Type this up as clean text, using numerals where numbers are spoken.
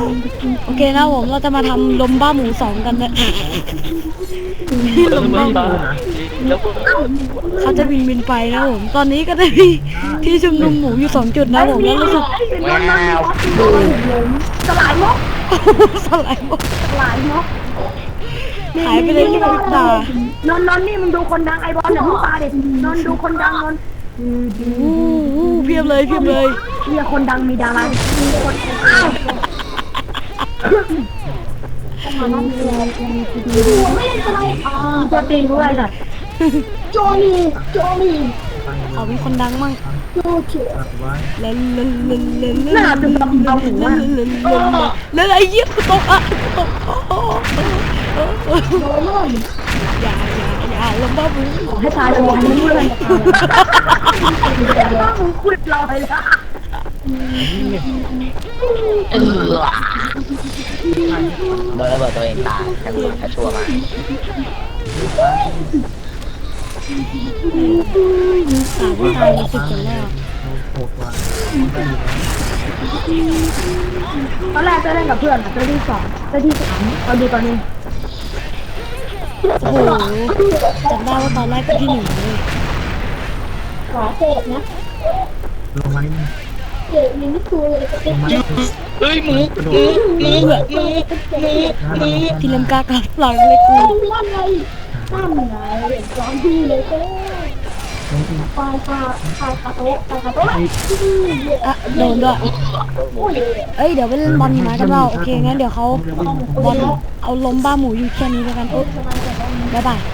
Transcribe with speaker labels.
Speaker 1: โอเคนะผมเราจะมาทำลมบ้าหมู2กันนะลมบ้าหมูเขาจะบินไปนะผมตอนนี้ก็ได้มีที่ชุมนุมหมูอยู่2 จุดนะผมแล้วรู้สึก
Speaker 2: แมว
Speaker 3: สลายมก
Speaker 1: สลายหมด
Speaker 3: สลายมก
Speaker 1: หายไปเลยที่พิตาน
Speaker 3: นนี่มึงดูคนดังไอบอลเนี่ยมึงตาเด็ดนนดูคนดังนน
Speaker 1: เพียบเลย
Speaker 3: เรียกคนดังมีดารามีคนอ้าวไม่ได้อะไรตัวตีนด้วยจ้ะโจนี่
Speaker 1: เขามีคนดังมั่ง
Speaker 3: โจเฉ
Speaker 1: เล่น
Speaker 3: หน้าตึงกับเอาหัว
Speaker 1: แล้วไอ้เยี่ยกูตกอ่ะตกอย่าลมบ้าหมู
Speaker 3: ให้ตายเลยมึงเลยว่ามึงคุยเราเลยละ
Speaker 2: โดนระเบิดตัวเองตายแค่ตัวแค่ชั่วมา
Speaker 1: ไม่ตายมา10 คนแล้ว
Speaker 3: ตอนแรกจะเล่นกับเพื่อนอ่ะตัวที่2ตัวที่3เอาดูตอนนี้
Speaker 1: โอ้โหจำได้ว่าตอนแรกเป็นที่1เลย
Speaker 3: ขอเศษนะเศษนี่ไม่คือเลยก็เป็น
Speaker 2: เฮ้ยหมู
Speaker 1: ที่เล่มกากับหลังเลยกู
Speaker 3: ลั่นไงลั่นไงร้อนดีเลยก็ปลายคาโต๊ะ
Speaker 1: อ่ะโดนด้วย
Speaker 3: โอ้ย
Speaker 1: เอ้ยเดี๋ยวไปเล่นบอลหิมะกันเปล่าโอเคงั้นเดี๋ยวเขาบอลเอาล้มบ้าหมูอยู่แค่นี้แล้วกันบ๊ายบาย